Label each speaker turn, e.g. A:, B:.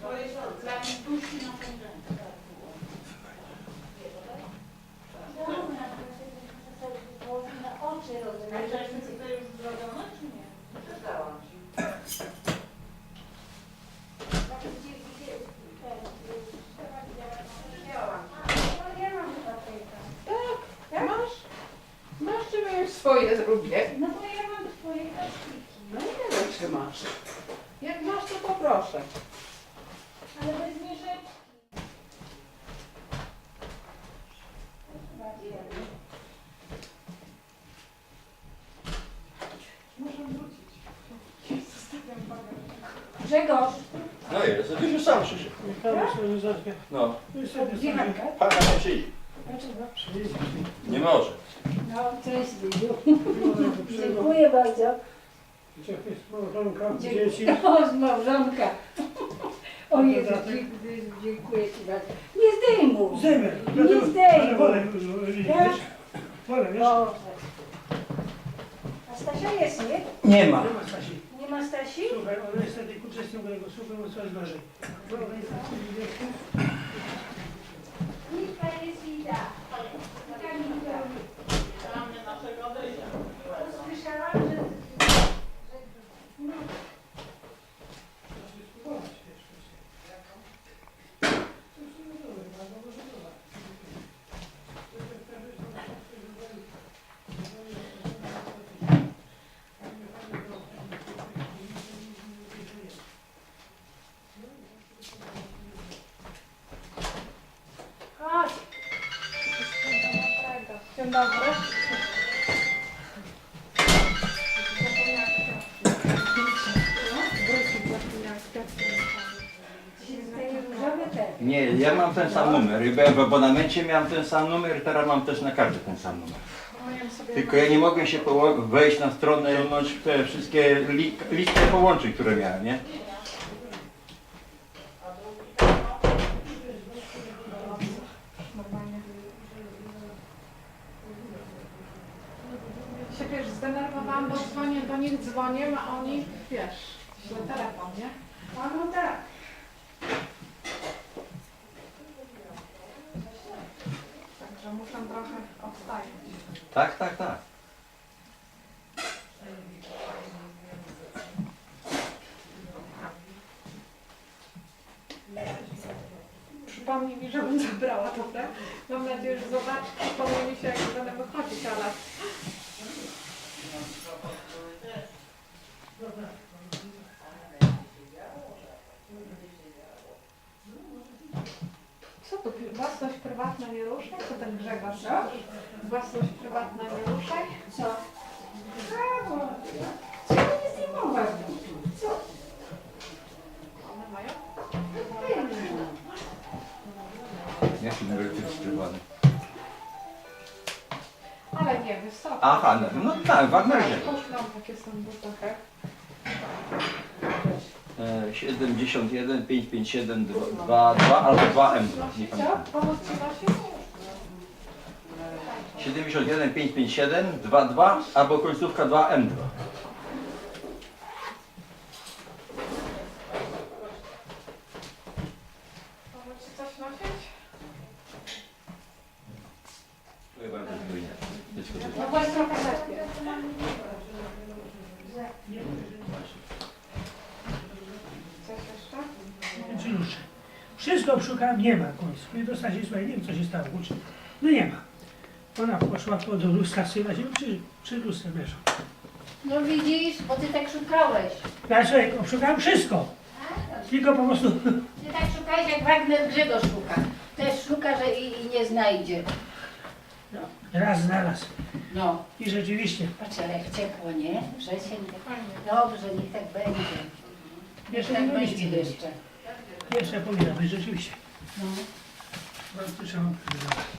A: To jest dla mnie dusi na ten rękę.
B: Na oczy
A: Ale to jest tutaj już zrobione, czy nie?
B: Przestałam ci.
C: Tak, masz czy ja już swoje zrobię?
B: No bo ja mam twoje plastiki.
C: No nie wiem, czy masz. Jak masz, to poproszę.
B: Ale bez mieszeczki.
C: Muszę wrócić. Zostawiam bagaż.
B: Grzegorz,
D: No jest, to już sam przyszedł. No,
B: gdzie Hanka?
D: pana nie przyjdzie.
B: Dlaczego?
D: Nie może.
B: No, cześć Lidiu. Dziękuję bardzo.
E: Dzieci.
B: O, z małżonka. O Jezu, dziękuję Ci bardzo. Nie zdejmuj.
E: Zdejmę.
B: Nie zdejmuj.
E: Wolę, wiesz? Wolę, wiesz?
B: Boże. A Stasia jest, nie?
D: Nie ma.
E: Nie ma Stasi.
B: Nie ma Stasi?
E: Słuchaj, ona jest wtedy uczestnikiem mojego słuchu, bo coraz gorzej.
B: Liczba jest Lida.
A: Mamy naszego odejścia.
B: Słyszałam, że... No. Chodź.
C: Dzień dobry.
D: Nie, ja mam ten sam numer. Byłem w abonamencie, miałem ten sam numer, teraz mam też na karcie ten sam numer. Tylko ja nie mogłem się wejść na stronę i ująć te wszystkie listy połączeń, które miałem, nie?
C: Się wiesz, zdenerwowałam, bo dzwonię do nich, dzwonię, a oni, wiesz, źle telefon, nie?
B: A no tak.
C: Także muszę trochę odstawić.
D: Tak, tak, tak.
C: Przypomnij mi, żebym zabrała, dobra? Mam nadzieję, że zobaczy, przypomni mi się, jak będę wychodzić, ale... Co tu? Własność prywatna nie ruszaj? Co ten Grzegorz? Własność prywatna nie ruszaj?
B: Co? Brawo. Co nie zdejmować? Co?
C: One mają?
D: Jaki numer rejestrowany?
C: Ale nie, wysoko.
D: Aha, no tak, w Admerze.
C: Poszłam, takie są w butach.
D: 71 557 22 albo 2M. Nie
C: Co?
D: pamiętam.
C: Pomóc Ci nosić?
D: 71 557 22 albo końcówka 2M2.
C: Pomóc Ci coś nosić? No właśnie trochę lepiej. Coś jeszcze?
E: Czy wszystko obszukałem, nie ma w końcu. I do Stasi, słuchaj, nie wiem co się stało. No nie ma. Ona poszła do lustra, syna się przy lustrze leżą.
B: No widzisz, bo ty tak szukałeś.
E: Ja sobie obszukałem wszystko. Tylko po prostu...
B: Ty tak szukałeś, jak Wagner Grzegorz szuka. Też szuka, że i nie znajdzie.
E: No, raz znalazł.
B: No.
E: I rzeczywiście.
B: Patrz, ale jak ciepło, nie? Wrzesień. Dobrze, niech tak będzie.
E: Jeszcze
B: Tak
E: nie
B: będzie
E: mieliśmy.
B: jeszcze.
E: Jeszcze powinna być rzeczywiście.
B: No.
E: Bardzo trzeba.